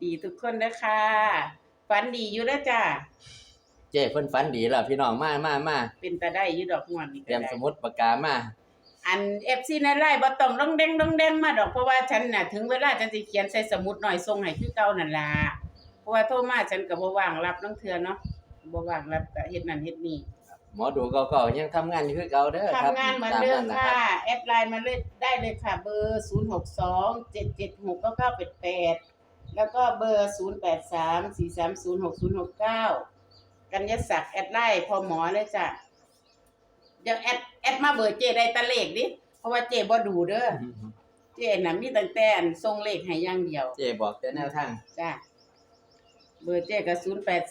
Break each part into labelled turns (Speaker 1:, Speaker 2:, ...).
Speaker 1: ดีทุกคนเด้อค่ะฝันดีอยู่เด้อจ้า
Speaker 2: เจ้เพิ่นฝันดีแล้วพี่น้องมา
Speaker 1: เป็นตาได้อยู่ดอกม่วนนี่
Speaker 2: เตรียมสมุดปากกามา
Speaker 1: อัน FC ในไลน์บ่ต้องดองแดงมาดอกเพราะว่าฉันน่ะถึงเวลาฉันสิเขียนใส่สมุดหน่อยส่งให้คือเก่านั่นล่ะเพราะว่าโทรมาฉันก็บ่ว่างรับนังเทื่อเนาะบ่ว่างรับก็เฮ็ดนั่นเฮ็ดนี่
Speaker 2: หมอดูเก่าๆยังทำงานอยู่คือเก่าเด้อครับ
Speaker 1: ทำงานเหมือนเดิมค่ะแอดไลน์มาเลยได้เลยค่ะเบอร์0627769988แล้วก็เบอร์0834306069กัญญศักดิ์แอดไลน์พอหมอเลยจ้ะเดี๋ยวแอดมาเบอร์เจได้ตะเลขดิเพราะว่าเจบ่ดูเด้อเจน่ะมีตั้งแต่อันส่งเลขให้อย่างเดียว
Speaker 2: เจ้บอกแต่แนวทาง
Speaker 1: จ้ะเบอร์เจก็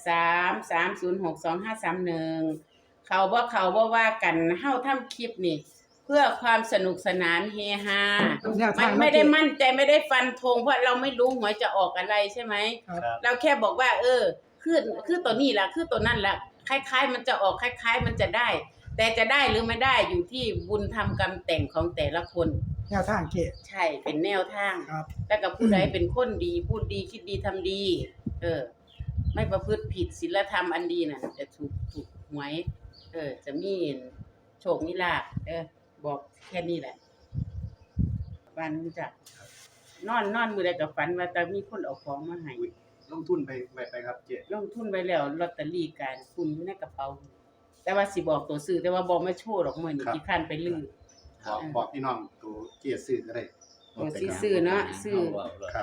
Speaker 1: 0833062531เขาบ่ว่ากันเฮาทำคลิปนี่เพื่อความสนุกสนานเฮฮามันไม่ได้มั่นใจไม่ได้ฟันธงเพราะเราไม่รู้หวยจะออกอะไรใช่ไหมเราแค่บอกว่าคือตัวนี้ล่ะคือตัวนั่นล่ะคล้ายๆมันจะออกคล้ายๆมันจะได้แต่จะได้หรือไม่ได้อยู่ที่บุญทำกรรมแต่งของแต่ละคน
Speaker 3: แนวทางเกะ
Speaker 1: ใช่เป็นแนวทาง
Speaker 3: ครับ
Speaker 1: แล้วก็ผู้ใดเป็นคนดีพูดดีคิดดีทำดีไม่ประพฤติผิดศีลธรรมอันดีน่ะจะถูกหวยจะมีโชคมีลาภบอกแค่นี้แหละฝันจ้ะนอนมื้อใดก็ฝันว่าแต่มีคนเอาของมาให้
Speaker 4: ลงทุนไปครับเจ๊
Speaker 1: ลงทุนไว้แล้วลอตเตอรี่การคุณอยู่ในกระเป๋าแต่ว่าสิบอกตัวซื้อแต่ว่าบ่มาโชว์ดอกมื้อนี้ขี้คร้านไปลือ
Speaker 4: บอกพี่น้องตัวเจ๊ซื้อก็ได้
Speaker 1: ซื้อเนาะซื้อ
Speaker 4: ครับ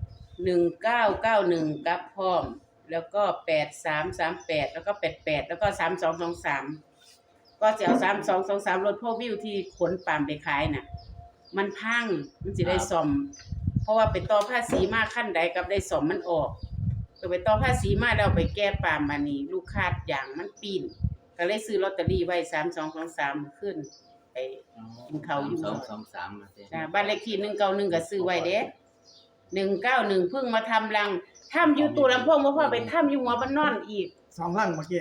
Speaker 1: 1991กับพร้อมแล้วก็8338แล้วก็88แล้วก็3223ก็จะเอา3223รถพวกวิวที่ขนปาล์มไปขายน่ะมันพังมันสิได้ซ่อมเพราะว่าไปต่อภาษีมาขั้นใดกับได้ซ่อมมันออกก็ไปต่อภาษีมาแล้วไปแก้ปาล์มมานี่ลูกค้าอย่างมันปีนก็เลยซื้อลอตเตอรี่ไว้3223ขึ้นไปกินข้าวอยู่
Speaker 2: 223มา
Speaker 1: จ้ะบ้านเลขที่191ก็ซื้อไว้เด้191เพิ่งมาทำรังทำอยู่ตู้ลำโพงบ่พอไปทำอยู่หัวบ้านนอนอีก
Speaker 3: 2ลังเมื่อกี้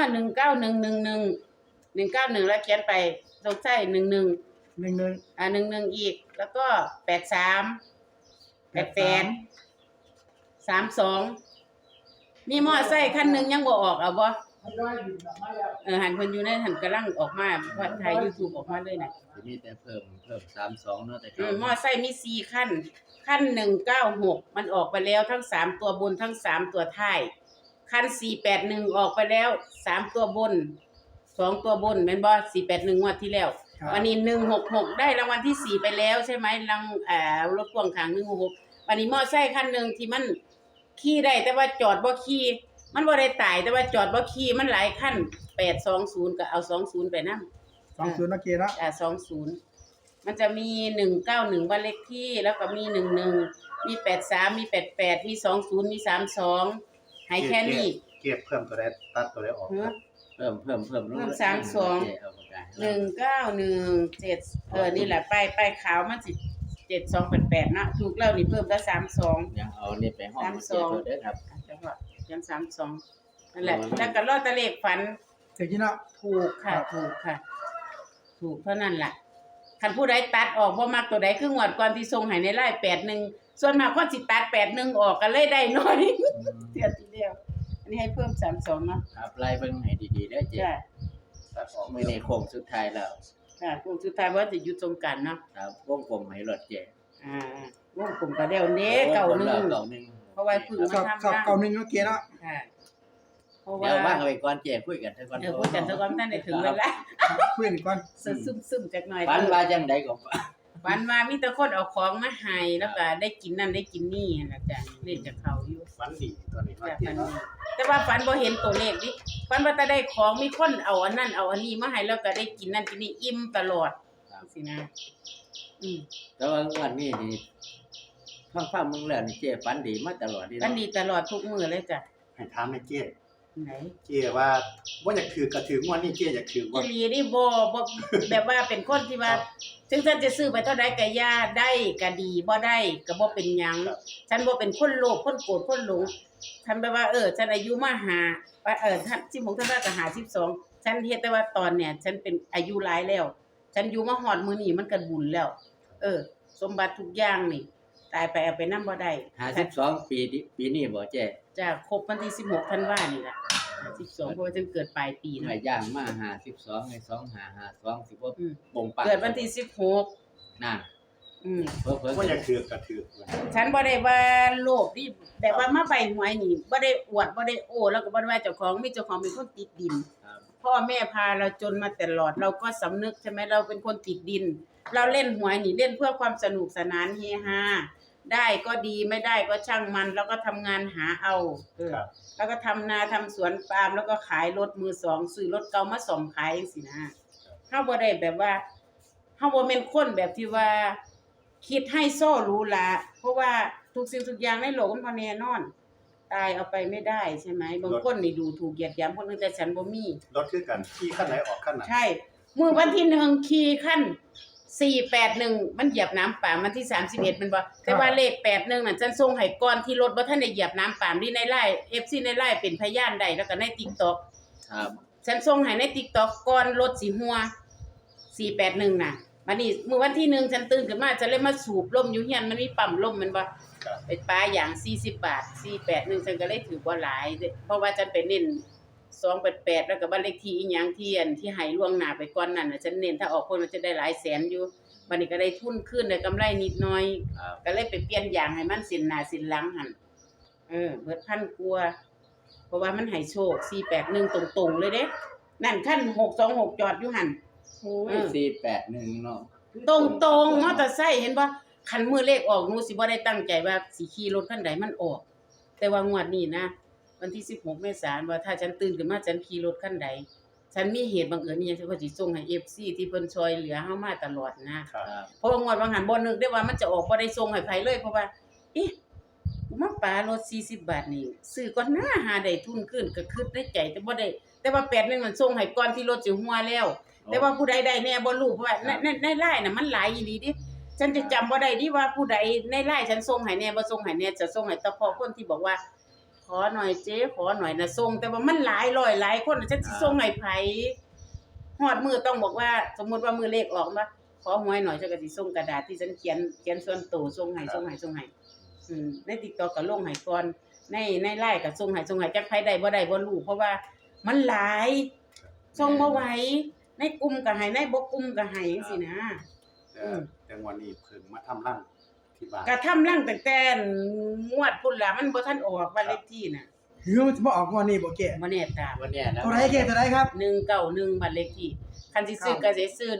Speaker 1: 19111 แล้วเขียนไปสงสัย11 11อีกแล้วก็83 88 32มีมอไซค์คันนึงยังบ่ออกเอาบ่หันเพิ่นอยู่ในหันกำลังออกมาเพราะถ่าย YouTube ออกมาเลยน่ะ
Speaker 2: มีแต่เพิ่ม32เนาะแต่
Speaker 1: มอไซค์มี4คัน196มันออกไปแล้วทั้ง3ตัวบนทั้ง3ตัวท้ายคัน481ออกไปแล้ว3ตัวบน2ตัวบนแม่นบ่481งวดที่แล้ววันนี้166ได้รางวัลที่4ไปแล้วใช่มั้ยรถพ่วงข้าง166วันนี้มอไซค์คันนึงที่มันขี่ได้แต่ว่าจอดบ่ขี่มันบ่ได้ตายแต่ว่าจอดบ่ขี่มันหลายคัน820ก็เอา20ไปนำ
Speaker 3: 20เมื่อกี้เนาะ
Speaker 1: 20มันจะมี191บ้านเลขที่แล้วก็มี11มี83มี88มี20มี32ให้แค่นี้
Speaker 4: เก็บเพิ่มตัวใดตัดตัวใดออก
Speaker 2: เพิ่ม
Speaker 1: 32 1917นี่แหละป้ายขาวมันสิ7288นะถูกแล้วนี่เพิ่มก็32
Speaker 2: ยังเอานี่ไปห้องเด้อครับ
Speaker 1: จังหวะยัง32นั่นแหละแล้วก็ลอตเตอรี่ฝัน
Speaker 3: ถูกเนาะ
Speaker 1: ถูกค่ะถูกเท่านั้นล่ะคันผู้ใดตัดออกบ่มักตัวใดคืองวดก่อนที่ส่งให้ในไลน์81ส่วนมากคนสิตัด81ออกก็เลยได้น้อยเสียทีเดียวอันนี้ให้เพิ่ม32เนาะ
Speaker 2: ครับไล่เบิ่งให้ดีๆเด้อเจ๊ตัดออกมื้อนี้โค้งสุดท้ายแล้ว
Speaker 1: ค่ะโค้งสุดท้ายว่าจะอยู่ตรงกันเนาะ
Speaker 2: ครับวงกลมให้รถเจ๊
Speaker 1: วงกลมก็แล้วเด้91เพราะว่าพึ่งมาทำ
Speaker 3: 91เมื่อกี้เนาะ
Speaker 1: ค่ะ
Speaker 2: เพราะว่าเดี๋ยวว่างไว้ก่อนเจ๊คุยกันซะก่อน
Speaker 1: คุยกันซะก่อนท่านได้ถึงเวลา
Speaker 3: คุยกันก่อน
Speaker 1: ซึมๆจักหน่อย
Speaker 2: ฝันว่าจังได๋ก็
Speaker 1: ฝันว่ามีแต่คนเอาของมาให้แล้วก็ได้กินนั่นได้กินนี่หั่นล่ะจ้ะเล่นกับเขาอยู่
Speaker 4: ฝันดีตอนนี้
Speaker 1: แต่ว่าฝันบ่เห็นตัวเลขดิฝันว่าแต่ได้ของมีคนเอาอันนั้นเอาอันนี้มาให้แล้วก็ได้กินนั่นกินนี่อิ่มตลอดสินะ
Speaker 2: แต่ว่าวันนี้นี่ฟังมึงแล้วนี่เจ๊ฝันดีมาตลอด
Speaker 1: ฝันดีตลอดทุกมื้อเลยจ้ะ
Speaker 4: ให้ถามแม่เจ๊
Speaker 1: ไหน
Speaker 4: เจ๊ว่าบ่อยากถือก็ถืองวดนี้เจ๊อยากถือ
Speaker 1: ว่าอีหลีนี่บ่แบบว่าเป็นคนที่ว่าถึงฉันจะซื้อไปเท่าใดก็ย่าได้ก็ดีบ่ได้ก็บ่เป็นหยังฉันบ่เป็นคนโลภคนโกรธคนหลงฉันแบบว่าฉันอายุมาท่าน16ท่านก็52ฉันเฮ็ดแต่ว่าตอนเนี่ยฉันเป็นอายุหลายแล้วฉันอยู่มาฮอดมื้อนี้มันก็บุญแล้วสมบัติทุกอย่างนี่ตายไปเอาไปนำบ่ได้
Speaker 2: 52ปีนี้บ่เจ๊
Speaker 1: จะครบวันที่16ธันวานี่ล่ะ12เพราะว่าฉันเกิดปลายปี
Speaker 2: หา
Speaker 1: นะ
Speaker 2: ย่างมา52ให้2552สิบ่
Speaker 1: อืม
Speaker 2: ปงปัง
Speaker 1: เกิดวันที่16
Speaker 2: น่ะ เพิ่น
Speaker 4: ว่าอยากถือก็ถือ
Speaker 1: ฉันบ่ได้ว่าโลภนี่แต่ว่ามาใบหวยนี่บ่ได้อวดบ่ได้โอ้แล้วก็บ่ได้ว่าเจ้าของมีเจ้าของเป็นคนติดดิน
Speaker 2: ครับ
Speaker 1: พ่อแม่พาเราจนมาตลอดเราก็สำนึกใช่ไหมเราเป็นคนติดดิน เราเล่นหวยนี่เล่นเพื่อความสนุกสนานเฮฮาได้ก็ดีไม่ได้ก็ช่างมันแล้วก็ทำงานหาเอา
Speaker 4: ครับ
Speaker 1: แล้วก็ทำนาทำสวนปาล์มแล้วก็ขายรถมือสองซื้อรถเก่ามาซ่อมขายจังซี่นะเฮาบ่ได้แบบว่าเฮาบ่แม่นคนแบบที่ว่า คิดให้โซ่รู้ละเพราะว่าทุกสิ่งทุกอย่างในโลกมันบ่แน่นอน ตายเอาไปไม่ได้ใช่ไหมบางคนนี่ดูถูกเหยียดหยามคนอื่นแต่ฉันบ่มี
Speaker 4: รถคือกันขี่คันไหนออกคันนั้น
Speaker 1: ใช่มื้อวันที่1ขี่คัน481มันเหยียบน้ำปาล์มวันที่31มันบ่แต่ว่าเลข81นั่นฉันส่งให้ก่อนที่รถบ่ทันได้เหยียบน้ำปาล์มนี่ในไลน์ FC ในไลน์เป็นพยานได้แล้วก็ใน TikTok
Speaker 2: ครับ
Speaker 1: ฉันส่งให้ใน TikTok ก่อนรถสิหัว481น่ะบัดนี้มื้อวันที่1ฉันตื่นขึ้นมาฉันเลยมาสูบลมอยู่เฮียนมันมีปั๊มลมแม่นบ่
Speaker 4: ครับ
Speaker 1: ไปปลาอย่าง40 บาท481ฉันก็เลยถือบ่หลายเด้เพราะว่าฉันไปเน้น288แล้วก็บ้านเลขที่อีหยังที่อันที่ให้ล่วงหน้าไปก่อนนั้นน่ะฉันเน้นถ้าออกคนมันจะได้หลายแสนอยู่บัดนี้ก็ได้ทุนขึ้นได้กำไรนิดหน่อย
Speaker 2: ครับ
Speaker 1: ก็เลยไปเปลี่ยนยางให้มันสินหน้าสินหลังหั่นเบิดพันกว่าเพราะว่ามันให้โชค481ตรงๆเลยเด้นั่นคัน626จอดอยู่หั่น
Speaker 2: โอ้ย481เนาะ
Speaker 1: ตรงๆมอเตอร์ไซค์เห็นบ่คันมือเลขออกหนูสิบ่ได้ตั้งใจว่าสิขี่รถคันใดมันออก แต่ว่างวดนี้นะวันที่16เมษายนว่าถ้าฉันตื่นขึ้นมาฉันขี่รถคันใดฉันมีเหตุบังเอิญอีหยังฉันก็สิส่งให้ FC ที่เพิ่นช่วยเหลือเฮามาตลอดนะ
Speaker 4: ครับ
Speaker 2: ครับ
Speaker 1: เพราะว่างวดบางหันบ่นึกได้ว่ามันจะออกบ่ได้ส่งให้ไผเลยเพราะว่าเอ๊ะกูมาปารถ40 บาทนี่ซื้อก่อนหน้าหาได้ทุนขึ้นก็คิดในใจแต่บ่ได้แต่ว่า8นึงมันส่งให้ก่อนที่รถสิหัวแล้ว แต่ว่าผู้ใดได้แน่บ่รู้เพราะว่าในไลน์น่ะมันหลายอีหลีดิฉันจะจำบ่ได้ดิว่าผู้ใดในไลน์ฉันส่งให้แน่บ่ส่งให้แน่จะส่งให้เฉพาะคนที่บอกว่า ขอหน่อยเจ๊ขอหน่อยน่ะส่งแต่ว่ามันหลายร้อยหลายคนน่ะฉันสิส่งให้ไผฮอดมื้อต้องบอกว่า สมมุติว่ามื้อเลขออกมาขอหวยหน่อยฉันก็สิส่งกระดาษที่ฉันเขียนส่วนตัวส่งให้ใน TikTok ก็ลงให้ก่อนในไลน์ก็ส่งให้จักไผได้บ่ได้บ่รู้เพราะว่ามันหลายส่งบ่ไหวในกลุ่มก็ให้ในบ่กลุ่มก็ให้จังซี่นะ
Speaker 4: แต่วันนี้เพิ่งมาทำร่างที่บ้าน
Speaker 1: ก็ทำรังตั้งแต่งวดพุ่นล่ะมันบ่ทันออกบ้านเลขที่น่ะ
Speaker 3: ถือว่ามันจะมาออกงวดนี้บ่เกะ
Speaker 1: บ่แน่ตาม
Speaker 2: วันเนี้ยนะ
Speaker 3: ตัวไหนเกะตัวไหนครับ
Speaker 1: 191บ้านเลขที่คันสิซื้อก็สิซื้อ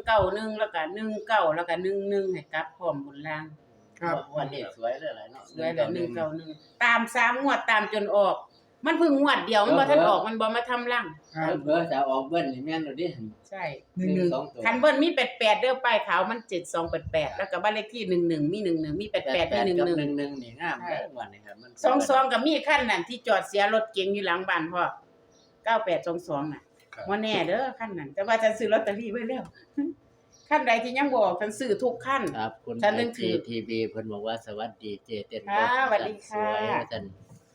Speaker 1: 191แล้วก็19แล้วก็11ให้กลับพร้อมบนล่าง
Speaker 3: ครับ
Speaker 2: วันนี้สวยเลยหลายเนาะ
Speaker 1: สวยแล้ว191ตาม3งวดตามจนออก มันเพิ่งงวดเดียวมันบ่ทันออกมันบ่มาทำรัง
Speaker 3: ครับ
Speaker 2: เพิ่นจะออกเบิ้ลนี่แม่นโดดิ
Speaker 1: ใช่
Speaker 3: 11
Speaker 2: 2ตัว
Speaker 1: คันเบิ่นมี88เด้อป้ายขาวมัน7288แล้วก็บ้านเลขที่11มี11มี88มี
Speaker 2: กับ
Speaker 1: 11
Speaker 2: 11นี่งามเลยวันนี้ครับมัน
Speaker 1: 22ก็มีคันนั่นที่จอดเสียรถเก๋งอยู่หลังบ้านพ่อ9822น่ะ
Speaker 4: ครับ
Speaker 1: บ่แน่เด้อคันนั้นแต่ว่าฉันซื้อลอตเตอรี่ไว้แล้ว คันใดที่ยังบ่ออกฉันซื้อทุกคัน
Speaker 2: ครับคุณ
Speaker 1: ฉันนึกถึง
Speaker 2: ทีวีเพิ่นบอกว่าสวัสดีเจเต้น
Speaker 1: ค่ะสวัสดีค่ะ
Speaker 2: สวยว่าซั่น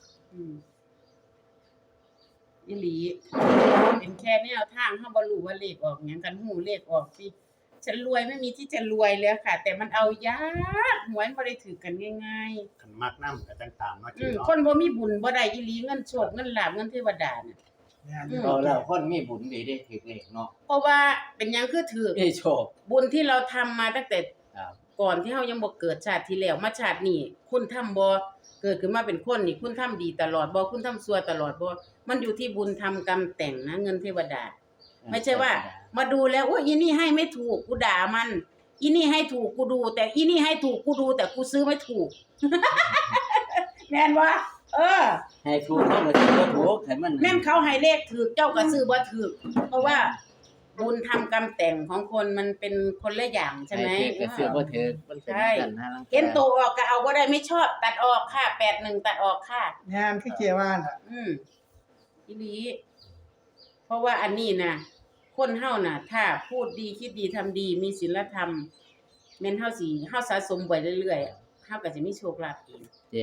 Speaker 1: อีหลีเป็นแค่แนวทางเฮาบ่รู้ว่าเลขออกหยังกันฮู้เลขออกสิฉันรวยไม่มีที่จะรวยเลยค่ะ แต่มันเอายากหวยบ่ได้ถือกันง่าย
Speaker 4: คันมักน้ำก็จังตามเนาะ
Speaker 1: ๆ
Speaker 4: เจ๊เนาะ
Speaker 1: คนบ่มีบุญบ่ได้อีหลีเงินโชคเงินลาภเงินเทวดาน่ะ
Speaker 2: เอาแล้วคนมีบุญดีได้ถึกเลขเนาะ
Speaker 1: เพราะว่าเป็นหยังคือถือ
Speaker 2: ได้โชค
Speaker 1: บุญที่เราทำมาตั้งแต่
Speaker 2: ครับ
Speaker 1: ก่อนที่เฮายังบ่เกิดชาติที่แล้วมาชาตินี้คุณทำบ่เกิดขึ้นมาเป็นคนนี่คุณทำดีตลอดบ่คุณทำชั่วตลอดบ่มันอยู่ที่บุญทำกรรมแต่งนะเงินเทวดา ไม่ใช่ว่า มาดูแล้วโอ้ยอีนี่ให้ไม่ถูกกูด่ามัน อีนี่ให้ถูกกูดู แต่อีนี่ให้ถูกกูดู แต่กูซื้อไม่ถูก แม่นบ่
Speaker 2: ให้ถูกเขาก็สิบ่ถูกให้มัน
Speaker 1: แม่นเขาให้เลขถูกเจ้าก็ซื้อบ่ถูกเพราะว่าบุญทำกรรมแต่งของคนมันเป็นคนละอย่างใช่ไหม
Speaker 2: ให้ถูกก็ซื้อบ่ถูกมันเป็น
Speaker 1: ใช่
Speaker 2: กันหาลัง
Speaker 1: เห็นตัวออกก็เอาบ่ได้ไม่ชอบตัดออกค่ะ81ตัดออกค่ะ
Speaker 3: งานคือเกะว่าน่ะ
Speaker 1: อีหลีเพราะว่าอันนี้น่ะ คนเฮาน่ะ ถ้าพูดดีคิดดีทำดีมีศีลธรรมแม่นเฮาสิเฮาสะสมไว้เรื่อยๆเฮาก็สิมีโชคลาภเอง
Speaker 2: เจ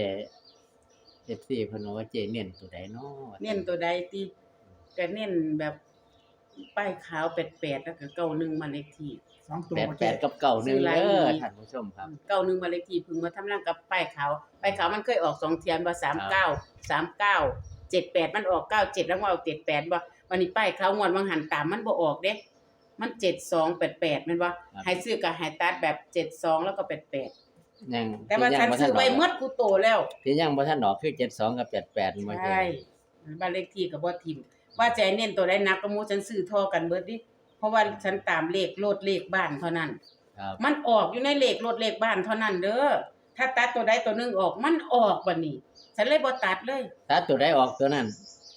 Speaker 2: FC เพิ่นบอกว่าเจเน้นตัวใดเนาะ
Speaker 1: เน้นตัวใดติก็เน้นแบบป้ายขาว88แล้วก็91มาเลขที่
Speaker 3: 2ตัว
Speaker 2: แปด
Speaker 3: บ่
Speaker 2: แป
Speaker 3: เจ๊
Speaker 2: ดกับเก่าหนึ่ง
Speaker 1: ซื้อหลาย
Speaker 2: เด้อ
Speaker 1: อีหลี
Speaker 2: ท่านผู้ชมครับ
Speaker 1: 91มาเลขที่เพิ่งมาทำร่างกับป้ายขาวมันเคยออก2เทียนบ่39 78มันออก97แล้วมาออก78บ่วันนี้ป้ายขาวงวดวังหันตามมันบ่ออกเด้มัน7288แม่นบ่
Speaker 2: ครับ
Speaker 1: ให้ซื้อก็ให้ตัดแบบ72แล้วก็88
Speaker 2: ยัง
Speaker 1: แต่ว่าฉันซื้อไว้หมดกูโตแล้ว
Speaker 2: ที่ยังบ่ทันออกคือ72กับ88บ่
Speaker 1: ใช่บ้านเลขที่ก็บ่ทิ่มว่าใจเน้นตัวใดหนักก็หมู่ฉันซื้อเท่อกันเบิดดิเพราะว่าฉันตามเลขรถเลขบ้านเท่านั้น
Speaker 2: ครับ
Speaker 1: มันออกอยู่ในเลขรถเลขบ้านเท่านั้นเด้อถ้าตัดตัวใดตัวหนึงออกมันออกบัดนี้ ฉันเลยบ่ตัดเลย
Speaker 2: ถ้าตัวใดออกตัวนั้น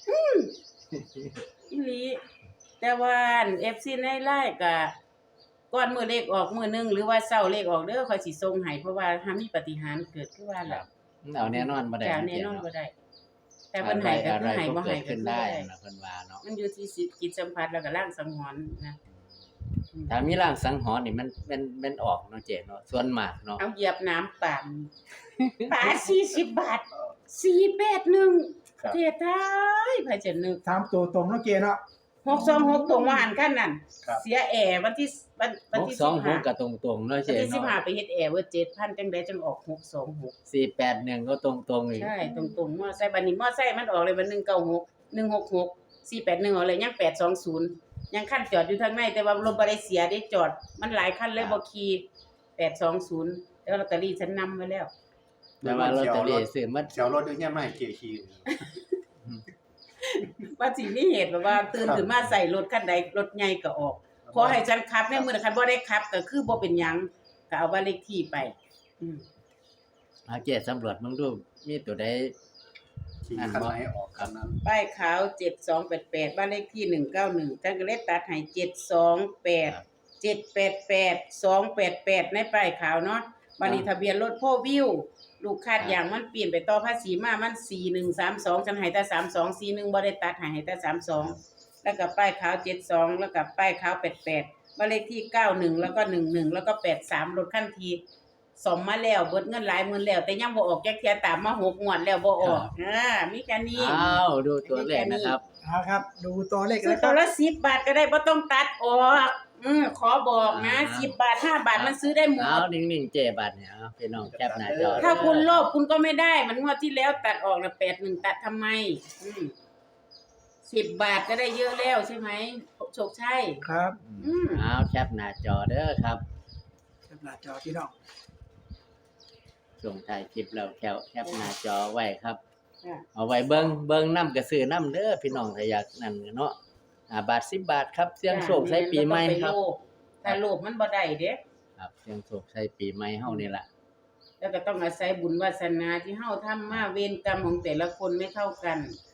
Speaker 1: อีหลีแต่ว่าอัน FC ในไลน์ก็ก่อนมื้อเลขออกมื้อหนึงหรือว่าเช้าเลขออกเด้อค่อยสิส่งให้เพราะว่าถ้ามีปาฏิหาริย์เกิดคือว่า
Speaker 2: ครั
Speaker 1: ล่ะ
Speaker 2: บเอาแน่นอนบ่ได้
Speaker 1: จะแน่นอนบ่ได้ แต่เพิ่นให้ก็
Speaker 2: อะไร
Speaker 1: คือให้
Speaker 2: ก็
Speaker 1: บ่
Speaker 2: เกิ
Speaker 1: ให้
Speaker 2: ด
Speaker 1: ก็
Speaker 2: ขึ้น
Speaker 1: คือ
Speaker 2: ได้
Speaker 1: ได้
Speaker 2: นะเพิ่นว่าเนาะ
Speaker 1: มันอยู่ที่จิตสัมผัสแล้วก็ร่างสังหรณ์นะอืม
Speaker 2: ถ้ามีร่างสังหรณ์นี่มันออกเนาะเจ๊เนาะส่วนมากเนาะ
Speaker 1: เอาเหยียบน้ำป่านป่า40 บาท 481
Speaker 4: ครับ
Speaker 1: เทตายไผจะนึก
Speaker 3: 3ตัวตรงเนาะเจ๊เนาะ
Speaker 1: 626ตรงมาหันกันนั่น
Speaker 4: ครับ
Speaker 1: เสียแอร์วันที่วันที่
Speaker 2: 626ก็ตรงๆเนาะ
Speaker 1: วัน
Speaker 2: เจ๊
Speaker 1: ที่
Speaker 2: เนาะ
Speaker 1: 15ไปเฮ็ดแอร์เว่า7,000จังได๋จังออก626
Speaker 2: 481ก็ตรงๆอีก
Speaker 1: ใช่ตรงๆมอไซค์บัดนี้มอไซค์มันออกเลยวัน196 166 481ออกเลยยัง820ยังคันจอดอยู่ทางในแต่ว่ารถบ่ได้เสียได้จอด มันหลายคันเลยบ่ขี่820แล้วลอตเตอรี่ฉันนำไว้แล้ว
Speaker 2: แต่ว่าลอตเตอรี่ซื้อมา
Speaker 4: เสียวรถอยู่เนี่ยไม่ให้เกียร์ขี่
Speaker 1: ว่าสิมีเหตุแบบว่าตื่นขึ้นมาใส่รถคันใดรถใหญ่ก็ออกขอให้ฉันขับในมื้อนั้นคันบ่ได้ขับก็คือบ่เป็นหยังก็เอาบ้านเลขที่ไปอืม
Speaker 2: เอาเจ๊สำรวจมึงดูมีตัวใด
Speaker 4: ขี่คันไหนออกคันนั้น
Speaker 1: ป้ายขาว7288บ้านเลขที่191ท่านก็เลยตัดให้728 788 288ในป้ายขาวเนาะบัดนี้ทะเบียนรถพ่อวิวลูกคาดอย่างมันเปลี่ยนไปต่อภาษีมามัน4132ฉันให้แต่3241บ่ได้ตัดให้แต่32แล้วก็ป้ายขาว72แล้วก็ป้ายขาว88บ้านเลขที่91แล้วก็11แล้วก็83รถคันทีสมมาแล้วเบิดเงินหลายหมื่นแล้ว แต่ยังบ่ออกจักเที่ยตามมา6งวดแล้วบ่ออกมีแค่นี้
Speaker 2: อ้าวดูตัวเลขนะครับ
Speaker 3: เอาครับ ดูตัวเลข
Speaker 1: ซื้อ
Speaker 3: นะค
Speaker 1: ตั
Speaker 3: รั
Speaker 1: ว
Speaker 3: บ
Speaker 1: ละ10 บาทก็ได้บ่ต้องตัดออกขอบอกนะ
Speaker 2: อ่า
Speaker 1: 10 บาท 5 บาทมันซื้อได้หม
Speaker 2: เอา
Speaker 1: ด
Speaker 2: นิ่งๆเจ๊บัดเนี่ยเอาพี่น้องแคปหน้าจอ
Speaker 1: ถ้าคุณโลภคุณก็ไม่ได้ มันงวดที่แล้วตัดออกนะ81ตัดทำไม10 บาทก็ได้เยอะแล้วใช่ไหมโชคชัย
Speaker 3: ครับ
Speaker 2: เอาแคปหน้าจอเด้อครับ
Speaker 3: หน้าจอพี่น้อง
Speaker 2: ส่งถ่ายคลิปแล้วแคปหน้าจอไว้ครับ
Speaker 1: ค่ะ
Speaker 2: เอาไว้เบิ่งน้ำกระซื้อน้ำเด้อพี่น้องถ้าอยากนั่นเนาะบาท10 บาทครับเสี่ยงโชคใช้ปีใหม่ครับ
Speaker 1: ถ้าโลภมันบ่ได้เด้
Speaker 2: ครับเสี่ยงโชคใช้ปีใหม่เฮานี่ล่ะ
Speaker 1: แล้วก็ต้องอาศัยบุญวาสนาที่เฮาทำมาเวรกรรมของแต่ละคนไม่เท่ากัน